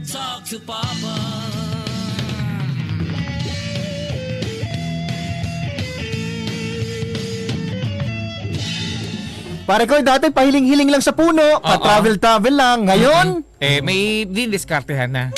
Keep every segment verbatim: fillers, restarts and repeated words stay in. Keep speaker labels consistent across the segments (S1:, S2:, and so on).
S1: Talk to Papa.
S2: Pare ko, dati pahiling-hiling lang sa puno, pa-travel-travel lang. Ngayon?
S3: Eh, may dindiskartehan na.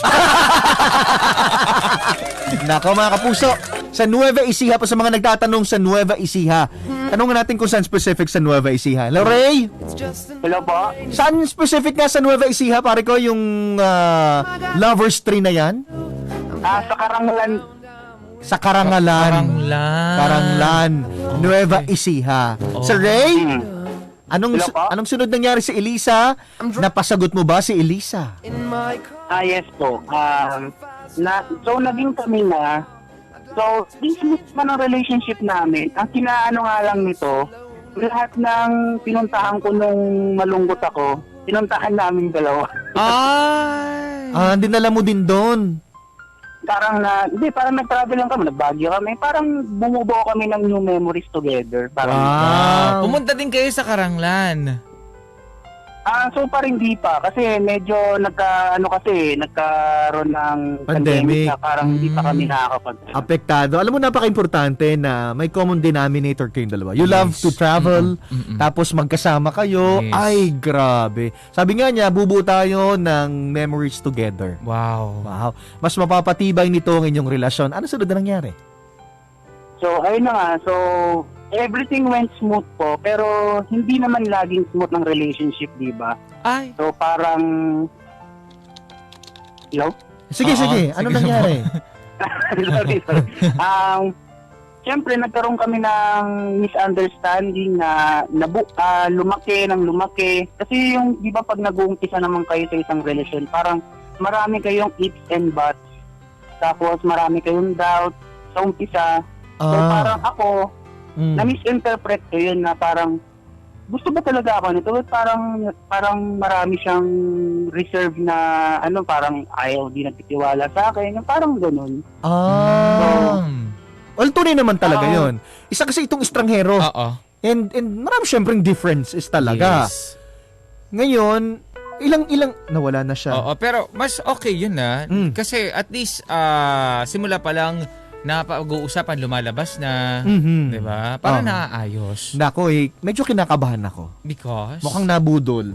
S2: Nako mga kapuso, sa Nueva Ecija po sa mga nagtatanong sa Nueva Ecija. Tanungin natin kung saan specific sa Nueva Ecija. Hello, Ray?
S4: Hello po?
S2: Saan specific nga sa Nueva Ecija, pare ko, yung uh, Lover's Tree na yan?
S4: Ah, sa Karangalan.
S2: Sa Karangalan.
S3: Karanglan.
S2: Karanglan. Nueva Ecija.
S3: Oh.
S2: Sir Ray?
S4: Hmm.
S2: Anong
S4: Hello po?
S2: anong sunod nangyari si Elisa? Napasagot mo ba si Elisa?
S4: Ah, yes po. Um, na, so, naging kami na. So, this man ang relationship namin. Ang kinaano nga lang nito, lahat ng pinuntahan ko nung malungkot ako, pinuntahan namin dalawa.
S3: Ay.
S2: Ah, dinala mo din doon.
S4: Parang na, hindi, parang nag-travel lang kami, nag-Baguio kami. Parang bumubuo kami ng new memories together. Parang,
S2: Wow.
S3: Pumunta din kayo sa Karanglan.
S4: Ah, so far hindi pa kasi medyo nagka ano kasi nagkaroon ng
S2: Pandemic.
S4: na parang hindi pa kami
S3: Mm.
S4: nakakapag.
S2: Apektado. Alam mo, napaka-importante na may common denominator kayong dalawa. You love
S3: Yes.
S2: to travel,
S3: Mm-mm, mm-mm.
S2: tapos magkasama kayo.
S3: Yes.
S2: Ay, grabe. Sabi nga niya, bubuo tayo ng memories together.
S3: Wow.
S2: Wow. Mas mapapatibay nito ang inyong relasyon. Ano sunod na nangyari?
S4: So ayun na nga. So everything went smooth po pero hindi naman laging smooth ng relationship, di ba?
S3: Ay.
S4: So parang Hello?
S2: Sige,
S3: Oo,
S2: sige. Ano
S3: sige.
S2: nangyari?
S4: sorry, sorry. Um, Siyempre, nagkaroon kami ng misunderstanding na nabu ah, lumaki ng lumaki. Kasi yung, di ba pag nag-uumpisa naman kayo sa isang relasyon, parang marami kayong ifs and buts. Tapos marami kayong doubt sa umpisa. So
S2: Ah.
S4: parang ako,
S2: Mm.
S4: na-misinterpret ko yun na parang, gusto ba talaga ako nito? Parang, parang marami siyang reserve na, ano, parang ayaw di nagtitiwala sa akin. Yung parang ganun.
S2: Ah.
S3: Um,
S2: Well, tunay naman talaga
S4: Oo.
S2: yon. Isa kasi itong estranghero.
S3: Oo.
S2: And, and marami syempreng differences talaga.
S3: Yes.
S2: Ngayon, ilang-ilang, nawala na siya.
S3: Oo, pero mas okay yun na.
S2: Mm.
S3: Kasi at least ah, simula pa lang napag-uusapan, lumalabas na.
S2: Mhm.
S3: Di ba? Para
S2: Oo.
S3: naaayos.
S2: Nako eh, medyo kinakabahan ako.
S3: Because?
S2: Mukhang nabudol.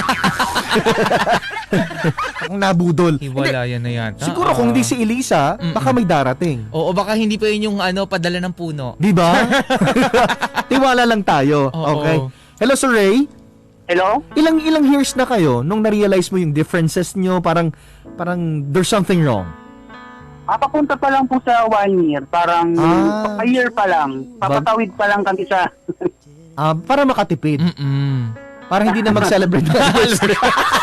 S2: Mukhang nabudol. Hindi,
S3: Hiwalayan na yan.
S2: siguro kung di si Elisa,
S3: Mm-mm.
S2: baka may darating.
S3: Oo, baka hindi pa yun yung ano, padala ng puno.
S2: Di ba? Tiwala lang tayo.
S3: Oo.
S2: Okay. Hello, Sir Ray.
S4: Hello?
S2: Ilang ilang years na kayo nung na-realize mo yung differences nyo, parang parang there's something wrong.
S4: Ah, papunta pa lang po sa one year. Parang
S2: Ah.
S4: a year pa lang. Papatawid pa lang kami sa...
S2: Ah, para makatipid.
S3: Mm-mm.
S2: Para hindi na mag-celebrate ng anniversary.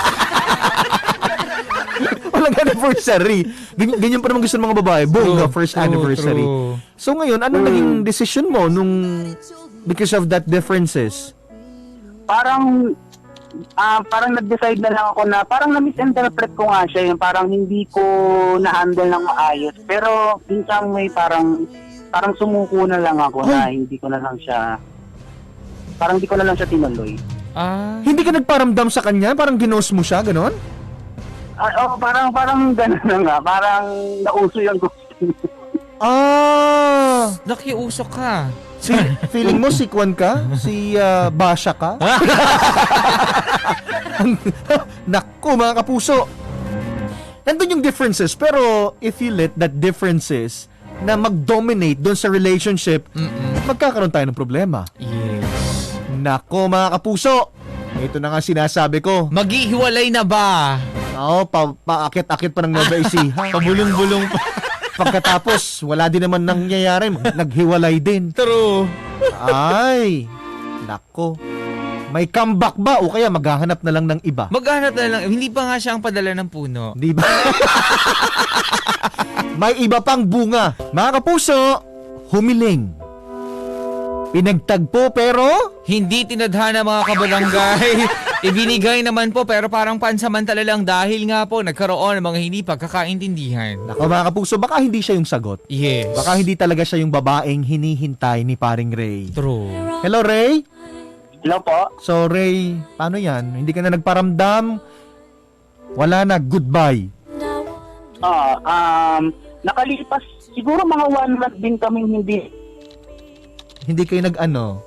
S2: Walang anniversary. Ganyan, ganyan pa naman gusto ng mga babae. Boom,
S3: True,
S2: the first
S3: true,
S2: anniversary.
S3: true.
S2: So ngayon, anong naging decision mo nung because of that differences?
S4: parang... Ah, parang nag-decide na lang ako na parang na-misinterpret ko nga siya. Yung parang hindi ko na-handle ng maayos. Pero minsan may parang... Parang sumuko na lang ako na hindi ko na lang siya... Parang hindi ko na lang siya tinuloy.
S3: Ah.
S2: Hindi ka nagparamdam sa kanya? Parang ginost mo siya, ganon?
S4: Ah, oh, parang parang gano'n na nga. Parang nauso yung gusto.
S2: Ah!
S3: Nakiusok ka.
S2: Si, feeling mo si Kwan ka? Si ah, Basha ka? Naku, mga kapuso. Nandun yung differences, pero if you let that differences na mag-dominate doon sa relationship,
S3: Mm-mm.
S2: magkakaroon tayo ng problema.
S3: Yes.
S2: Nako, mga kapuso. Ito na nga sinasabi ko.
S3: Maghihiwalay na ba?
S2: Oo, pa, paakit-akit pa ng Nueva Ecija.
S3: Pabulong-bulong pa.
S2: Pagkatapos, wala din naman nangyayari. Naghiwalay din.
S3: True.
S2: Ay, nako. May comeback ba? O kaya maghahanap na lang ng iba?
S3: Maghanap na lang. Hindi pa nga siya ang padala ng puno.
S2: Di ba? May iba pang bunga. Mga kapuso, humiling. Pinagtagpo pero
S3: Hindi tinadhana mga kabarangay. Ibinigay naman po pero parang pansamantala lang dahil nga po nagkaroon ng mga hindi pagkakaintindihan.
S2: nako mga kapuso, baka hindi siya yung sagot.
S3: Yes.
S2: Baka hindi talaga siya yung babaeng hinihintay ni paring Ray.
S3: True.
S2: Hello, Ray?
S4: Hello po?
S2: So, Ray, paano yan? Hindi ka na nagparamdam? Wala na, goodbye.
S4: Ah, um, nakalipas siguro mga one month din kami hindi
S2: Hindi kayo nag-ano?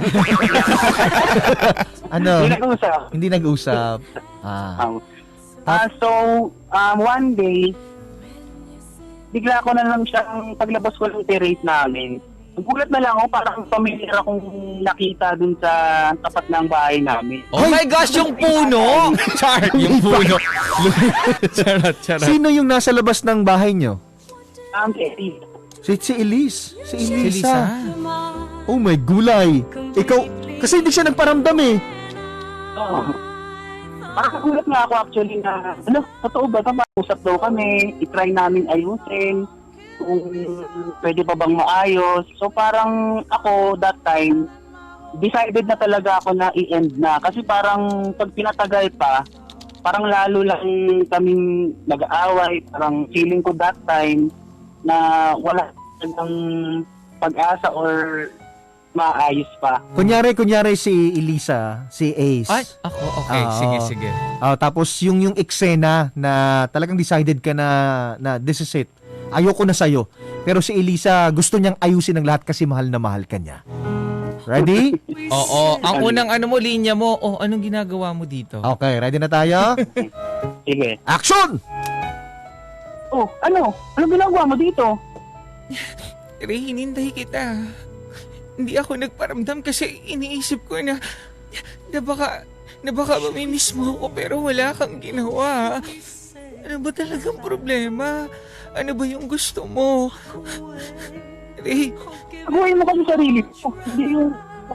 S2: ano?
S4: hindi nag-usap.
S2: Hindi nag-usap. Ah.
S4: Um, ah, so, um, one day, bigla ko na lang siyang paglabas ko ng terrace namin. Nagulat na lang ako, parang familiar akong nakita dun sa tapat ng bahay namin.
S3: Oh my gosh, yung puno! Char, yung puno. charot, charot.
S2: Sino yung nasa labas ng bahay nyo?
S4: Um, Eddie.
S2: Si, si Elise. Si
S3: Si
S2: Elisa.
S3: Lisa.
S2: Oh my gulay. Ikaw, kasi hindi siya nagparamdam eh.
S4: Oo. Parang nagulat nga ako actually na, ano, totoo ba? Usap daw kami, itry namin ayusin, kung pwede pa bang maayos. So parang ako that time, decided na talaga ako na i-end na. Kasi parang pag pinatagal pa, parang lalo lang kaming nag-aaway. Parang feeling ko that time na wala talagang pag-asa or maayos pa.
S2: Kunyari, kunyari si Elisa, si Ace.
S3: Ay, ako, okay.
S2: Ah,
S3: sige,
S2: oo.
S3: sige.
S2: Ah, tapos yung yung eksena na talagang decided ka na na this is it. Ayoko na sa'yo. Pero si Elisa gusto niyang ayusin ang lahat kasi mahal na mahal ka niya. Ready?
S3: Oo, ang unang ano mo, linya mo, oh, anong ginagawa mo dito?
S2: Okay, ready na tayo?
S4: Sige.
S2: Action!
S4: Oh, ano? Ano ginagawa mo dito?
S3: Ray, hinintay kita. Hindi ako nagparamdam kasi iniisip ko na na baka, na baka mamimiss mo ako pero wala kang ginawa. Ano ba talagang problema? Ano ba yung gusto mo? Ray,
S4: Gawin mo kasi sarili mo. Hindi yung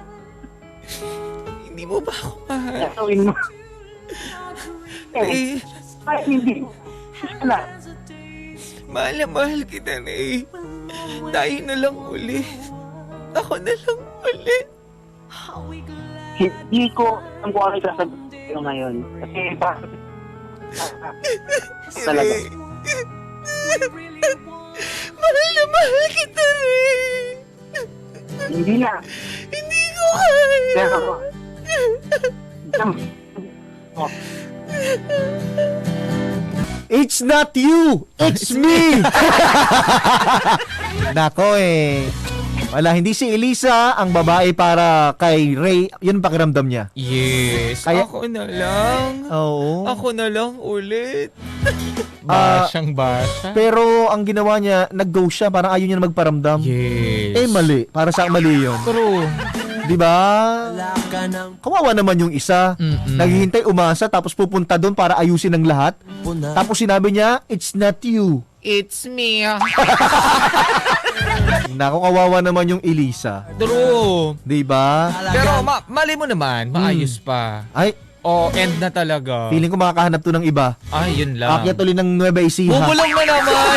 S3: hindi mo ba ako mahal?
S4: gawin mo. Eh,
S3: Ray,
S4: ay, hindi. Sana.
S3: mahal na mahal kita, Ray. Tayo na lang uli. Ako na lang uli.
S4: Hindi ko alam kung ano yung sasabihin ko ngayon. Kasi bakit? Talaga.
S3: Mahal na mahal kita, Ray.
S4: Hindi na.
S3: Hindi ko kaya.
S4: Pero, oh,
S2: It's not you! It's me! Nako eh. Wala, hindi si Elisa ang babae para kay Ray. Yun ang pakiramdam niya.
S3: Yes,
S2: Kaya-
S3: ako na lang.
S2: Oo.
S3: Ako na lang ulit.
S2: Ah,
S3: Basyang basya.
S2: Pero ang ginawa niya, nag-go siya. Parang ayaw niya na magparamdam.
S3: Yes.
S2: Eh, mali. Para sa mali yun.
S3: True.
S2: Di ba? Kawawa naman yung isa.
S3: Mm-mm.
S2: Naghihintay umasa tapos pupunta doon para ayusin ang lahat. Tapos sinabi niya, it's not you.
S3: It's me.
S2: Naku, kawawa naman yung Elisa.
S3: True.
S2: Di ba?
S3: Pero ma- mali mo naman, maayos pa.
S2: Ay,
S3: O, end na talaga.
S2: feeling ko makakahanap to ng iba.
S3: Ay, yun lang.
S2: Akyat ulit ng Nueva Ecija.
S3: Bubulong na naman.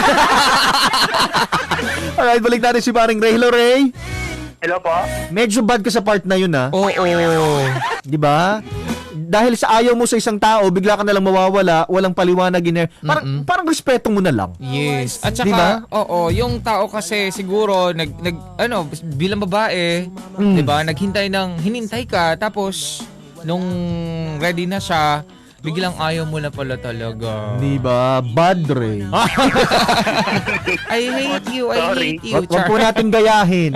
S2: Alright, balik natin si paring Ray. Hello, Ray.
S4: hello po?
S2: Medyo bad ka sa part na yun, ha?
S3: Oo.
S2: Di ba? Dahil sa ayaw mo sa isang tao, bigla ka nalang mawawala, walang paliwanag in Parang,
S3: Mm-mm.
S2: parang respeto mo na lang.
S3: Yes. At saka,
S2: Di ba?
S3: oo, yung tao kasi siguro, nag, nag ano, bilang babae,
S2: Mm.
S3: di ba, naghintay ng, hinintay ka, tapos, nung ready na siya, biglang ayaw mo na pala talaga.
S2: Di ba? Bad, Ray.
S3: I hate you, I
S4: Sorry.
S3: hate you.
S2: Wag, wag po natin gayahin.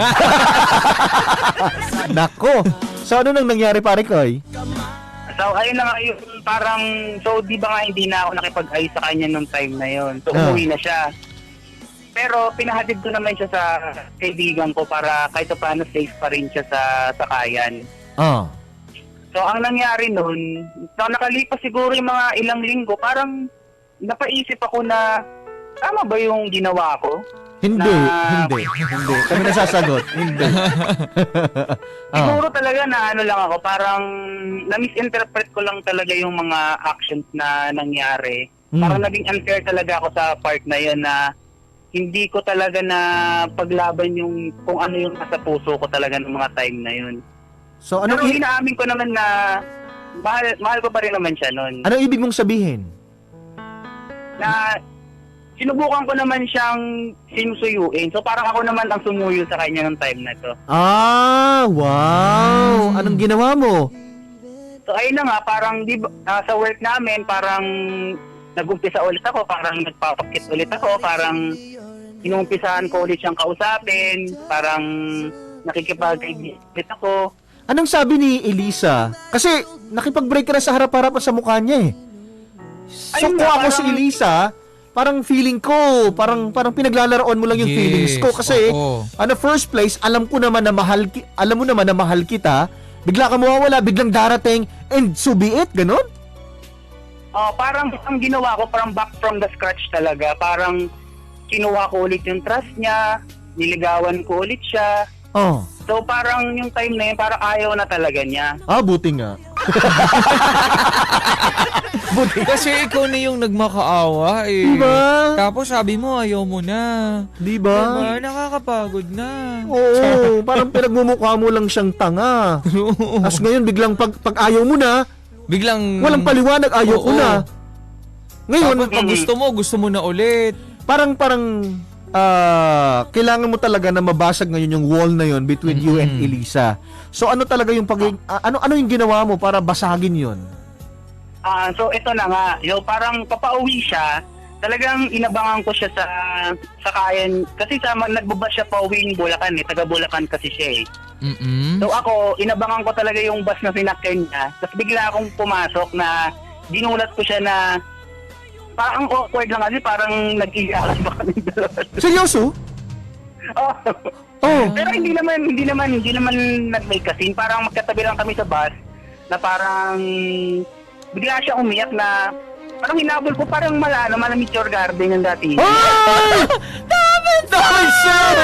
S2: Nako. So, ano nang nangyari, pare Koy?
S4: So, ayun na nga yung parang, so di ba nga hindi na ako nakipag-ayos sa kanya nung time na yon. So,
S2: Ah.
S4: umuwi na siya. Pero pinahatid ko naman siya sa kaibigan ko para kahit paano safe pa rin siya sa sakayan.
S2: Ah.
S4: So, ang nangyari nun, so, nakalipas siguro yung mga ilang linggo, parang napaisip ako na, tama ba yung ginawa ko?
S2: Hindi,
S4: Na-
S2: hindi, hindi. Kami nasasagot. Hindi. ah.
S4: Siguro talaga na ano lang ako, parang na-misinterpret ko lang talaga yung mga actions na nangyari.
S2: Mm.
S4: Parang naging unfair talaga ako sa part na yun na hindi ko talaga na paglaban yung kung ano yung nasa puso ko talaga ng mga time na yun.
S2: So, ano
S4: Pero
S2: i-
S4: inaamin ko naman na mahal, mahal ko pa rin naman siya nun.
S2: ano ibig mong sabihin?
S4: Na sinubukan ko naman siyang sinusuyuin. So parang ako naman ang sumuyo sa kanya ng time na to.
S2: Ah, wow. Anong ginawa mo?
S4: So ayun na nga, parang di ba, ah, sa work namin, parang nag-umpisa ulit ako, parang nagpapakit ulit ako, parang inumpisahan ko ulit siyang kausapin, parang nakikipag-kaibigan ulit ako.
S2: Anong sabi ni Elisa? Kasi nakipag-break ka na sa harap-harapan sa mukha niya eh. So
S4: Ayun
S2: kung
S4: nga,
S2: ako si
S4: parang-
S2: Elisa, parang feeling ko, parang parang pinaglalaroan mo lang yung
S3: Yes,
S2: feelings ko kasi
S3: oo.
S2: on the first place, alam ko naman na mahal ki- alam mo naman na mahal kita, bigla ka mawawala, biglang darating and so be it, ganun?
S4: Oh, parang ang ginawa ko, parang back from the scratch talaga. Parang kinuha ko ulit yung trust niya, niligawan ko ulit siya.
S2: Oh.
S4: So parang yung time na yun, parang ayaw na talaga niya.
S2: Ah, buti nga. buti.
S3: Kasi ikaw na yung nagmakaawa eh.
S2: Diba?
S3: Tapos sabi mo ayaw mo na.
S2: Di ba?
S3: Diba? Nakakapagod na.
S2: Oo, parang pinagmumukha mo lang siyang tanga. Tapos ngayon biglang pag, pag ayaw mo na,
S3: Biglang...
S2: walang paliwanag, ayaw ko
S3: Oo.
S2: na. Ngayon,
S3: Tapos pag gusto mo, gusto mo na ulit.
S2: parang parang ah, kailangan mo talaga na mabasag ngayon yung wall na yon between you and
S3: Mm-mm.
S2: Elisa. So ano talaga yung pag ah, ano ano yung ginawa mo para basagin yon?
S4: Ah, so ito na nga, yo parang papauwi siya. Talagang inabangan ko siya sa sa kayan kasi sa nagbaba siya pauwing Bulacan eh, taga Bulacan kasi siya eh.
S3: Mm-mm.
S4: So ako, inabangan ko talaga yung bus na sinakyan niya. Tapos bigla akong pumasok na ginulat ko siya na parang awkward lang kasi parang nag-iyakan ba kami dalawa.
S2: Seryoso?
S4: Oh.
S2: Oh.
S4: Pero hindi naman, hindi naman, hindi naman nag-make a scene. Parang magkatabi lang kami sa bus na parang bigla siya umiyak na parang hinabol ko parang mala, ano, malamig your garden yung dati.
S2: Ay! Dami sir!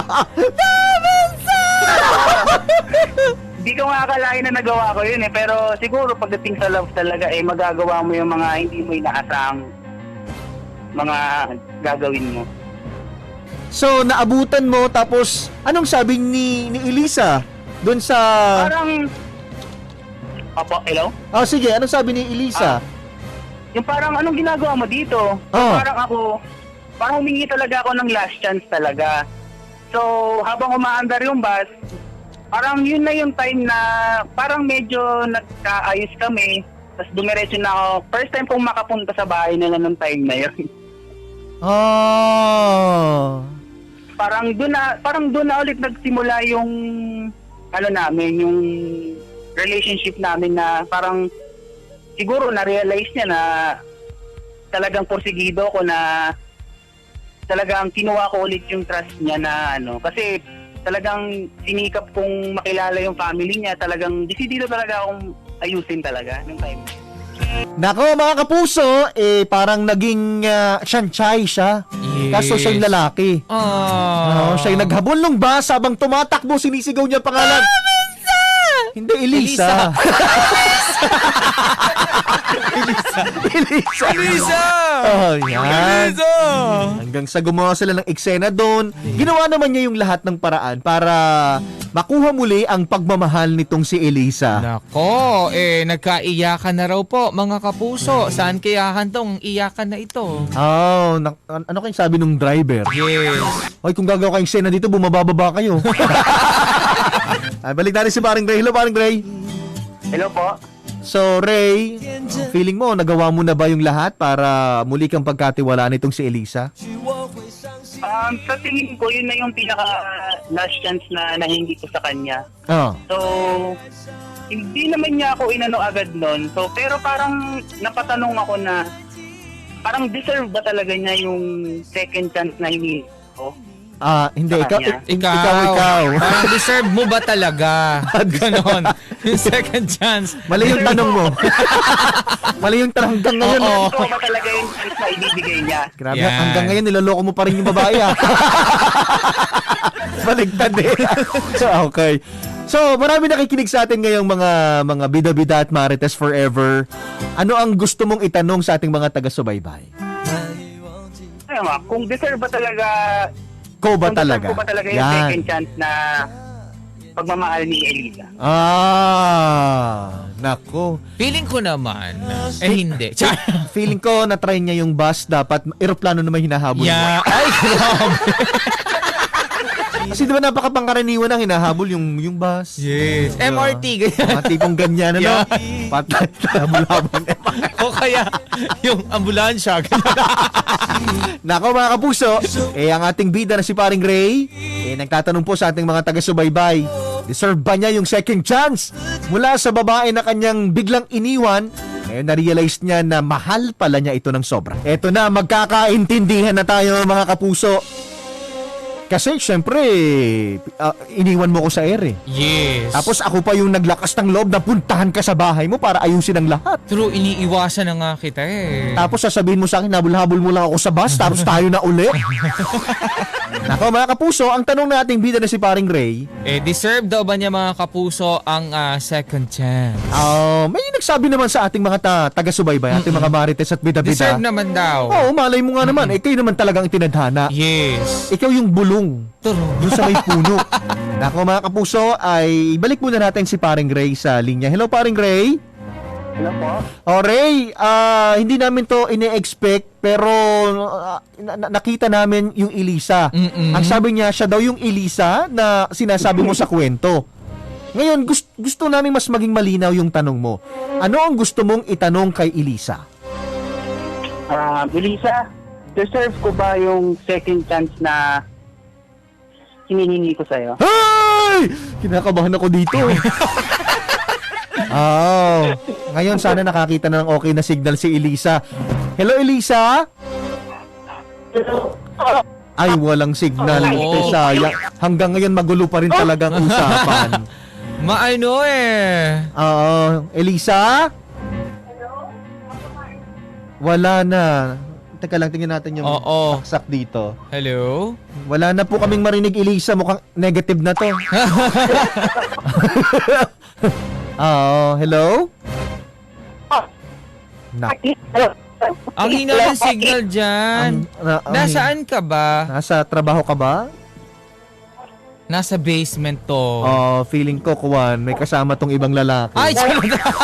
S4: Hindi ko nga akalain na nagawa ko yun eh. Pero siguro pagdating sa love talaga eh, magagawa mo yung mga hindi mo inaasang mga gagawin mo.
S2: So naabutan mo tapos anong sabi ni ni Elisa doon sa
S4: Parang, Opo, hello?
S2: Ah sige, anong sabi ni Elisa?
S4: Yung parang anong ginagawa mo dito? So,
S2: Oh.
S4: parang ako, parang humingi talaga ako ng last chance talaga. So, habang umaandar yung bus, parang yun na yung time na parang medyo nagkaayos kami. Tapos dumiretso na ako. First time kong makapunta sa bahay nila nung time na yun.
S2: Oh.
S4: parang doon na, parang doon na ulit nagsimula yung, ano namin, yung relationship namin na parang siguro na-realize niya na talagang porsigido ko na talagang kinuha ko ulit yung trust niya na ano. Kasi talagang sinikap kong makilala yung family niya. Talagang desidido talaga akong ayusin talaga nung time.
S2: Nako mga kapuso, eh parang naging uh, siyanchay siya.
S3: Yes.
S2: Kaso siya yung lalaki.
S3: Ah.
S2: No, siya yung naghabol ng bus habang tumatakbo, sinisigaw niya ang pangalan. Hindi, Elisa. Elisa. Elisa.
S3: Elisa!
S2: Oh, yan.
S3: Elisa!
S2: Hanggang sa gumawa sila ng eksena doon, ginawa naman niya yung lahat ng paraan para makuha muli ang pagmamahal nitong si Elisa.
S3: Nako, eh nagkaiyakan na raw po mga kapuso. Saan kayahan tong iyakan na ito?
S2: Oh, na- an- ano kayong sabi nung driver?
S3: Yes.
S2: Hoy, kung gagawa kayong eksena dito, bumababa kayo. Ay, balik natin si Paring Ray. Hello, Paring Ray.
S4: Hello po?
S2: So, Ray, feeling mo, nagawa mo na ba yung lahat para muli kang pagkatiwalaan nitong si Elisa?
S4: Um, sa tingin ko, yun na yung pinaka last chance na nahingi ko sa kanya.
S2: Oh.
S4: So, hindi naman niya ako inano agad nun. So, pero parang napatanong ako na parang deserve ba talaga niya yung second chance na hiningi ko?
S2: Ah, hindi.
S4: Sa
S2: Ikaw,
S4: kanya.
S2: ik- ikaw, ikaw.
S3: Parang deserve mo ba talaga? Ganon. Yung second chance.
S2: Mali yung tanong mo. Mali yung tanong hanggang ngayon.
S3: Oo.
S4: Ito ba talaga yung chance na ibibigay niya?
S2: Grabe,
S3: Yan.
S2: hanggang ngayon niloloko mo pa rin yung babae ah. Baligtad eh. So, okay. So, marami nakikinig sa atin ngayong mga mga bida-bida at marites forever. Ano ang gusto mong itanong sa ating mga taga-subaybay?
S4: Ayun nga, kung deserve ba talaga,
S2: Ko ba
S4: kung
S2: talaga?
S4: deserve ko ba talaga yung
S2: Yan.
S4: second chance na pagmamahal ni Elisa?
S2: Ah, nako.
S3: Feeling ko naman, eh hindi. Char.
S2: Feeling ko na-try niya yung bus, dapat eroplano naman hinahabol mo.
S3: Yeah. Ay, grabe.
S2: Kasi di ba napakapangkaraniwan ang hinahabol yung, yung bus?
S3: Yes.
S2: Diba?
S3: M R T, ganyan.
S2: Mga tipong ganyan, ano?
S3: Yeah.
S2: Patay, habol-habol.
S3: O kaya, yung ambulansya.
S2: Nako mga kapuso, eh ang ating bida na si Paring Ray, eh nagtatanong po sa ating mga taga-subaybay, deserve ba niya yung second chance mula sa babae na kanyang biglang iniwan? Ngayon na-realize niya na mahal pala niya ito ng sobra. Eto na, magkakaintindihan na tayo mga kapuso. Kasi syempre, ah, iniwan mo ko sa air eh.
S3: Yes.
S2: Tapos ako pa yung naglakas ng loob na puntahan ka sa bahay mo para ayusin ang lahat.
S3: True, iniiwasan na nga kita eh.
S2: Tapos sasabihin mo sa akin, habol-habol mo lang ako sa bus, tapos tayo na uli. Nako mga kapuso, ang tanong nating bida na si Paring Ray,
S3: Eh, deserve daw ba niya mga kapuso ang ah, second chance?
S2: ah, may nagsabi naman sa ating mga ta- taga-subaybay, ating mga marites at bida-bida.
S3: Deserve naman daw.
S2: Oo, malay mo nga naman, eh kayo naman talagang itinadhana.
S3: Yes.
S2: Ikaw yung bulong
S3: True.
S2: doon sa may puno. Nako mga kapuso, ay balik muna natin si Paring Ray sa linya. Hello Paring Ray.
S4: Hello po?
S2: O Ray, ah, hindi namin to ine-expect pero ah, na- na- nakita namin yung Elisa.
S3: Mm-mm.
S2: Ang sabi niya, siya daw yung Elisa na sinasabi mo sa kwento. Ngayon, gusto, gusto namin mas maging malinaw yung tanong mo. Ano ang gusto mong itanong kay Elisa?
S4: Ah, Elisa, deserve ko ba yung second chance na hinihingi ko sa'yo?
S2: Hey! Kinakabahan ako dito. Oh, ngayon sana nakakita na ng okay na signal si Elisa. Hello Elisa? Ay, walang signal.
S3: Oh.
S2: Eh, sayang. Hanggang ngayon magulo pa rin talagang usapan.
S3: Maano eh.
S2: Oo, Elisa? Wala na. Teka lang, tingnan natin yung
S3: Oo.
S2: saksak dito.
S3: Hello?
S2: Wala na po kaming marinig, Elisa. Mukhang negative na to. Oo, hello? Na,
S3: Ang hina ng signal dyan.
S2: ang- na- ang-
S3: Nasaan ka ba?
S2: Nasa trabaho ka ba?
S3: Nasa basement to.
S2: Oh, feeling ko, Kuwan, may kasama tong ibang lalaki.
S3: Ay, charot.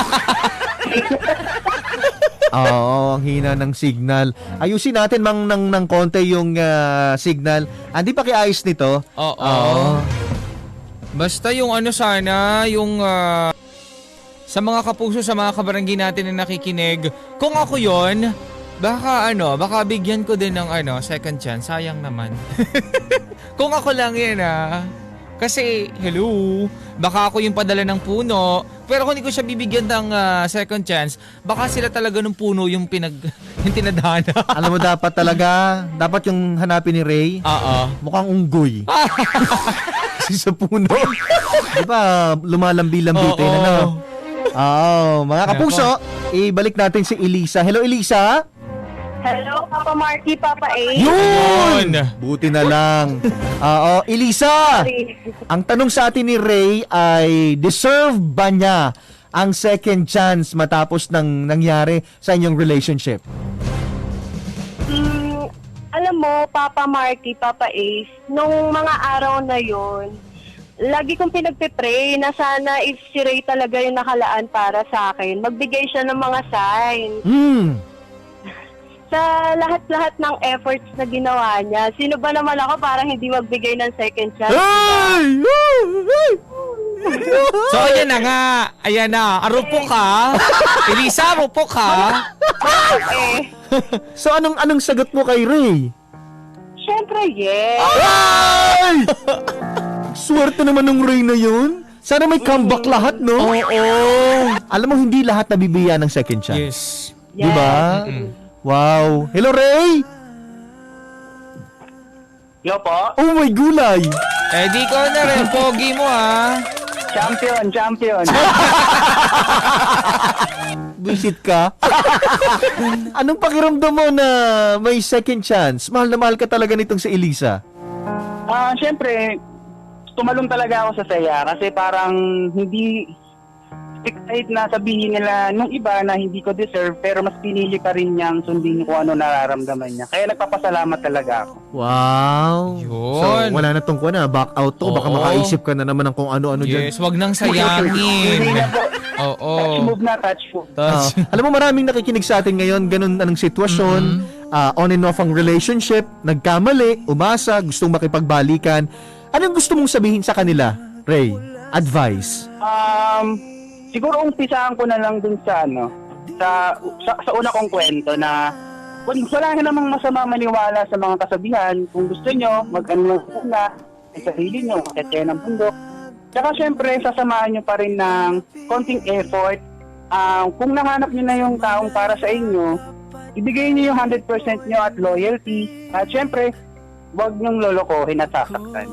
S2: Oo, ang hina ng signal. Ayusin natin mang ng, ng konti yung ah, signal. Andi pa kiayos nito?
S3: Oo.
S2: Oo.
S3: Basta yung ano sana, yung ah, sa mga kapuso, sa mga kabarangay natin na nakikinig, kung ako yon, baka ano, baka bigyan ko din ng ano, second chance. Sayang naman. Kung ako lang yan ah. Kasi, hello, baka ako yung padala ng puno, pero kung hindi ko siya bibigyan ng ah, second chance, baka sila talaga ng puno yung pinag, yung tinadhana.
S2: Alam mo, dapat talaga, dapat yung hanapin ni Ray,
S3: Oo.
S2: mukhang unggoy. Kasi sa puno. Di ba, lumalambi-lambitin,
S3: Oo.
S2: ano? Oo, mga kapuso, ibalik natin si Elisa. Hello, Elisa?
S1: Hello, Papa Marky, Papa A.
S2: Yun!
S3: Yun!
S2: Buti na lang. Oo, Elisa! Ang tanong sa atin ni Ray ay, deserve ba niya ang second chance matapos ng nangyari sa inyong relationship?
S1: Hmm, alam mo, Papa Marky, Papa Ace, nung mga araw na yon, lagi kong pinagpipray na sana if si Ray talaga yung nakalaan para sa akin, magbigay siya ng mga signs.
S2: Hmm.
S1: Sa lahat-lahat ng efforts na ginawa niya, sino ba naman ako para hindi magbigay ng second chance?
S2: Ay! Ay!
S3: So, ayan na nga. Ayan na. Arupok ka. Elisa, arupok ka.
S1: Eh,
S2: So, anong anong sagot mo kay Ray?
S1: syempre, yes.
S2: Ay! Swerte naman ng Ray na yun. Sana may comeback lahat, no?
S3: Oo.
S2: Alam mo, hindi lahat nabibigyan ng second chance.
S3: Yes.
S2: Di ba?
S3: Mm-mm.
S2: Wow. Hello, Ray!
S4: Yo po?
S2: Oh my gulay!
S3: Eh, di ko na rin. Pogi mo, ha?
S4: Champion, champion.
S2: Visit ka? Anong pakiramdam mo na may second chance? Mahal na mahal ka talaga nitong si Elisa.
S4: Ah, syempre, tumalong talaga ako sa saya kasi parang hindi excited na sabihin nila nung iba na hindi ko deserve pero mas pinili pa rin niyang sundin kung ano nararamdaman niya. Kaya nagpapasalamat talaga ako.
S2: Wow!
S3: Yun.
S2: So, wala na tong kuha na. Back out to. Baka
S3: Oo.
S2: makaisip ka na naman ng kung ano-ano dyan.
S3: Yes, wag nang
S4: Hindi
S3: sayangin.
S4: na po.
S3: Oo.
S4: Touch move na, touch move.
S2: Ah, alam mo, maraming nakikinig sa atin ngayon, ganun anong sitwasyon, ah, on and off ang relationship, nagkamali, umasa, gustong makipagbalikan. Anong gusto mong sabihin sa kanila, Ray? Advice.
S4: Um, siguro umpisahan ko na lang dun sa ano, sa sa, sa una kong kwento na wal- wala na namang masama maniwala sa mga kasabihan. Kung gusto nyo, mag-ano lang muna sa sarili nyo, makikaya ng bundok. Tsaka syempre, sasamahan nyo pa rin ng konting effort. Um, kung nahanap nyo na yung taong para sa inyo, ibigay nyo yung one hundred percent nyo at loyalty. At syempre, huwag nyong lolokohin at sasaktan.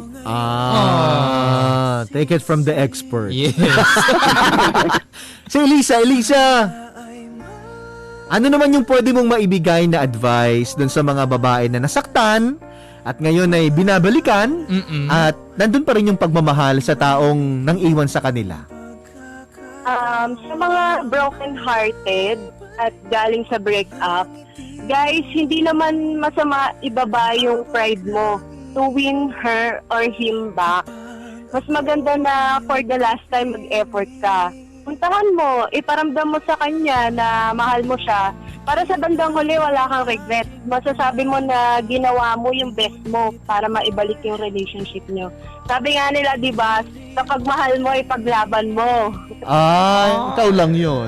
S2: Ah, take it from the expert.
S3: Yes.
S2: Si Elisa, Elisa, ano naman yung pwede mong maibigay na advice dun sa mga babae na nasaktan at ngayon ay binabalikan
S3: Mm-mm.
S2: at nandun pa rin yung pagmamahal sa taong nang iwan sa kanila?
S1: Um, sa mga broken-hearted at galing sa breakup, guys, hindi naman masama ibaba yung pride mo to win her or him back. Mas maganda na for the last time mag-effort ka. Puntahan mo, iparamdam mo sa kanya na mahal mo siya. Para sa bandang huli, wala kang regret. Masasabi mo na ginawa mo yung best mo para maibalik yung relationship nyo. Sabi nga nila, di ba, kapag mahal mo, ipaglaban mo.
S2: Ah, ikaw lang yun.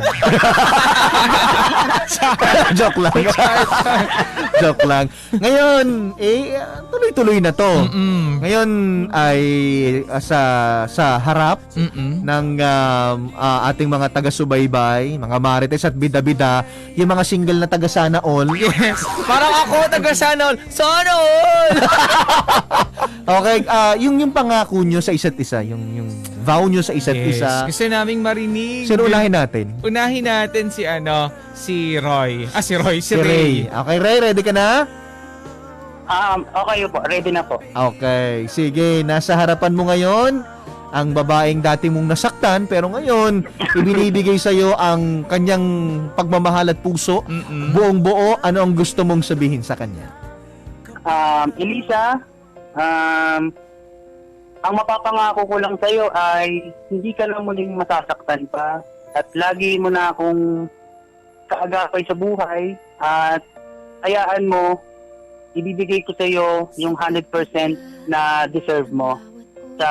S2: Joke lang. Joke lang. Ngayon, eh, tuloy-tuloy na to.
S3: Mm-mm.
S2: Ngayon ay ah, sa sa harap
S3: Mm-mm.
S2: ng um, ah, ating mga taga-subaybay, mga marites at bida-bida, yung mga single na taga sana all.
S3: Yes. Parang ako, taga sana all. Sana all!
S2: Okay, ah, yung yung pangako nyo sa isa't isa, yung yung vow nyo sa isa't
S3: Yes.
S2: isa.
S3: Gusto naming marinig.
S2: Sino unahin natin?
S3: Unahin natin si ano, si Roy. Ah, si Roy, si,
S2: Si Ray.
S3: Ray.
S2: Okay, Ray, ready ka na?
S4: Um, okay po, ready na po.
S2: Okay, sige, nasa harapan mo ngayon ang babaeng dati mong nasaktan pero ngayon ibinibigay sa iyo ang kanyang pagmamahal at puso.
S3: Mm-mm.
S2: Buong buo, ano ang gusto mong sabihin sa kanya?
S4: Um, Elisa, um, ang mapapangako ko lang sa'yo ay hindi ka na muling masasaktan pa at lagi mo na akong kaagapay sa buhay at hayaan mo, ibibigay ko sa'yo yung one hundred percent na deserve mo sa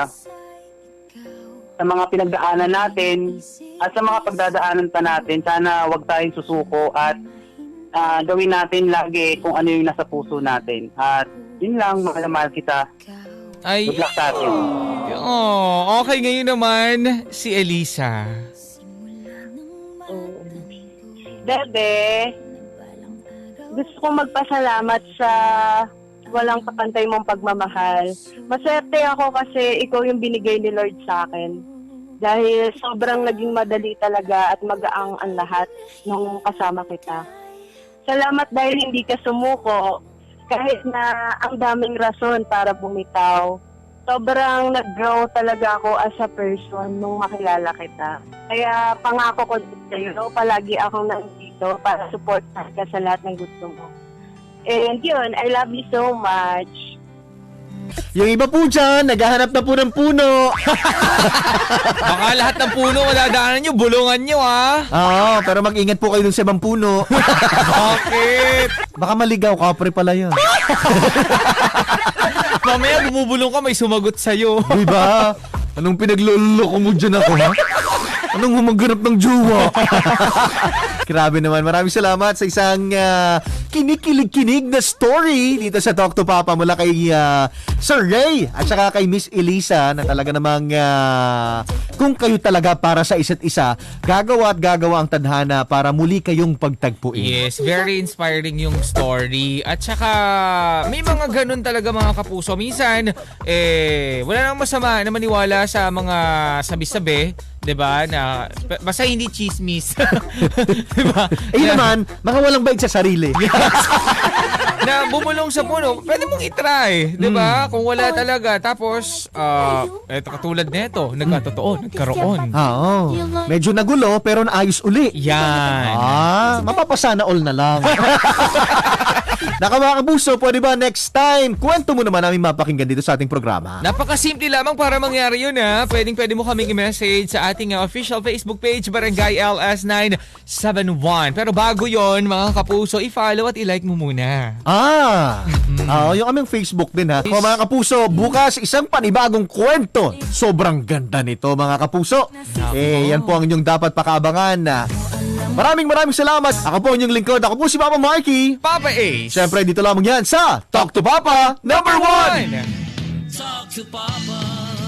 S4: sa mga pinagdaanan natin at sa mga pagdadaanan pa natin. Sana wag tayong susuko at ah, gawin natin lagi kung ano yung nasa puso natin. At yun lang, mahal na mahal kita.
S3: Ay,
S4: Good luck sa atin.
S3: oh, okay ngayon naman si Elisa.
S1: Bebe, gusto kong magpasalamat sa walang kapantay mong pagmamahal. Maswerte ako kasi ikaw yung binigay ni Lord sa akin. Dahil sobrang naging madali talaga at magaang ang lahat nung kasama kita. Salamat dahil hindi ka sumuko kahit na ang daming rason para bumitaw. Sobrang nag-grow talaga ako as a person nung makilala kita. Kaya pangako ko sa'yo, palagi akong nandito para supportan ka sa lahat ng gusto mo. And yun, I love you so much.
S2: Yung iba po dyan, naghahanap na po ng puno.
S3: Baka lahat ng puno madadaanan nyo, bulungan nyo ah.
S2: Oo, pero mag-ingat po kayo dun sa ibang puno.
S3: Bakit?
S2: Baka maligaw, kapre pala yun.
S3: Mamaya bumubulong ka, may sumagot sa'yo.
S2: Diba? Anong pinagluloko mo dyan ako, ha? Anong humaganap ng jowa? Grabe naman. Maraming salamat sa isang uh, kinikilig-kinig na story dito sa Talk to Papa mula kay uh, Sir Ray at saka kay Miss Elisa na talaga namang uh, kung kayo talaga para sa isa't isa, gagawa at gagawa ang tadhana para muli kayong pagtagpuin.
S3: Yes, very inspiring yung story. At saka, may mga ganun talaga mga kapuso. Minsan, eh, wala nang masama na maniwala sa mga sabi-sabi, 'di ba? Na basta hindi chismis. 'Di ba?
S2: Eh yun naman, mga walang baig sa sarili.
S3: Na bumulong sa puno, pwede mong i-try, 'di ba? Kung wala talaga, tapos uh, eto katulad nito, nagkatotoo, nagkaroon.
S2: Ah, oo. Medyo nagulo pero naayos uli.
S3: Yan.
S2: Ah, mapapasana all na lang. Naka mga kapuso, pwede ba next time, kwento mo naman namin mapakinggan dito sa ating programa.
S3: Napakasimple lamang para mangyari yun ha. Pwedeng pwede mo kaming i-message sa ating uh, official Facebook page, Barangay L S nine seven one. Pero bago yon mga kapuso, i-follow at i-like mo muna.
S2: Ah, ah, yung aming Facebook din ha. Mga, mga kapuso, bukas isang panibagong kwento. Sobrang ganda nito mga kapuso. Eh, yan po ang inyong dapat pakabangan na. Maraming maraming salamat. Ako po ang inyong lingkod. Ako po si Papa Marky.
S3: Papa Ace.
S2: Siyempre, dito lamang yan sa Talk to Papa Number One.
S3: One.
S5: Talk to Papa.